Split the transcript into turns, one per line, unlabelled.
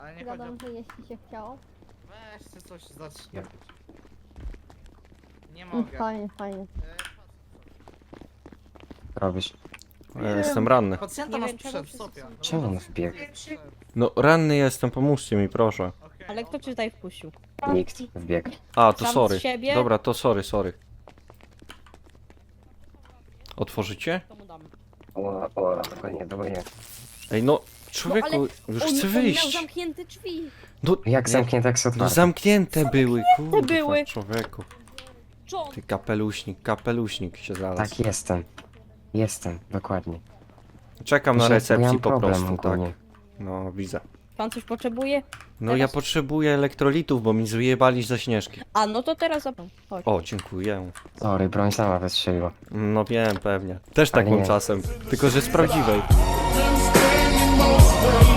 Ale nie chodzi o...
Gadam, że jeśli się chciało.
Weźcie coś zacznij. Nie mogę.
Fajnie, fajnie.
Robisz.
Ja jestem ranny.
Pacjenta
Nie
masz
wiem, czemu
przed,
wszyscy
Sofia.
są-
Czemu on wbiegł?
No ranny jestem, pomóżcie mi proszę.
Okej,
Ale kto cię tutaj wpuścił?
Nikt wbiegł.
A, to
Sam z
sorry.
siebie?
Dobra, to sorry. Otworzycie?
To mu dam.
O, dokładnie.
Ej no, człowieku, już chcę
On miał
wyjść.
zamknięte drzwi.
No,
Jak zamknięte, jak są
no
otwarte?
zamknięte były, kurwa,
były.
człowieku.
John!
Ty kapeluśnik się znalazł.
Tak, jestem, dokładnie.
Czekam na
Że ja
recepcji
mam
po
problem
prostu, tak.
ogólnie.
No, widzę.
Pan coś potrzebuje?
No ja
Teraz?
potrzebuję elektrolitów, bo mi zjebali ze Śnieżki.
A, no to teraz zapam. Chodź.
O, dziękuję.
Sorry, broń sama wystrzeliła.
No wiem, pewnie. Też tak
Ale
mam
nie.
czasem. Tylko, że z prawdziwej.
Been standing most of